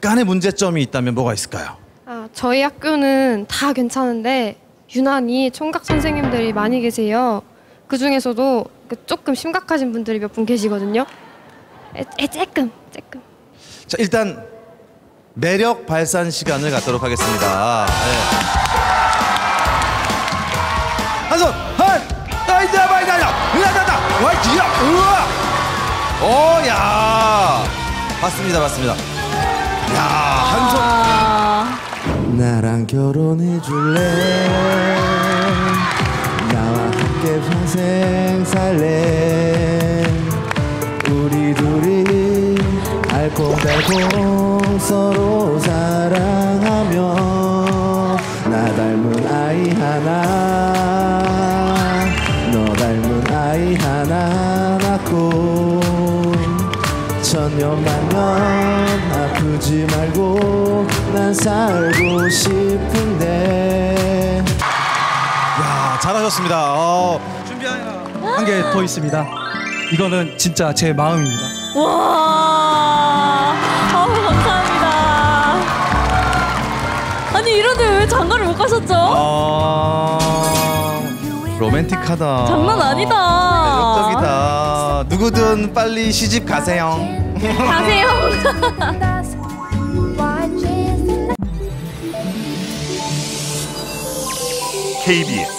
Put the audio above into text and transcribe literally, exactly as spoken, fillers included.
약간의 문제점이 있다면 뭐가 있을까요? 아, 저희 학교는 다 괜찮은데 유난히 총각 선생님들이 많이 계세요. 그 중에서도 조금 심각하신 분들이 몇 분 계시거든요. 에, 에 쬐끔 쬐끔. 자, 일단 매력 발산 시간을 갖도록 하겠습니다. 네. 한손 한 나이다 마이다야 으라다다 와이지야 우와 오야 봤습니다 봤습니다. 야 한손 나랑 결혼해 줄래 나와 함께 평생 살래 우리 둘이 알콩달콩 서로 사랑하며 나 닮은 아이 하나 너 닮은 아이 하나 낳고 천년만년 아프지 말고 난 살고 싶은데. 야 잘하셨습니다. 어. 준비하여 한 개 더 있습니다. 이거는 진짜 제 마음입니다. 와, 아우 감사합니다. 아니 이런데 왜 장가를 못 가셨죠? 어... 로맨틱하다. 장난 아니다. 매력적이다. 누구든 빨리 시집 가세요. 가세요. 케이비에스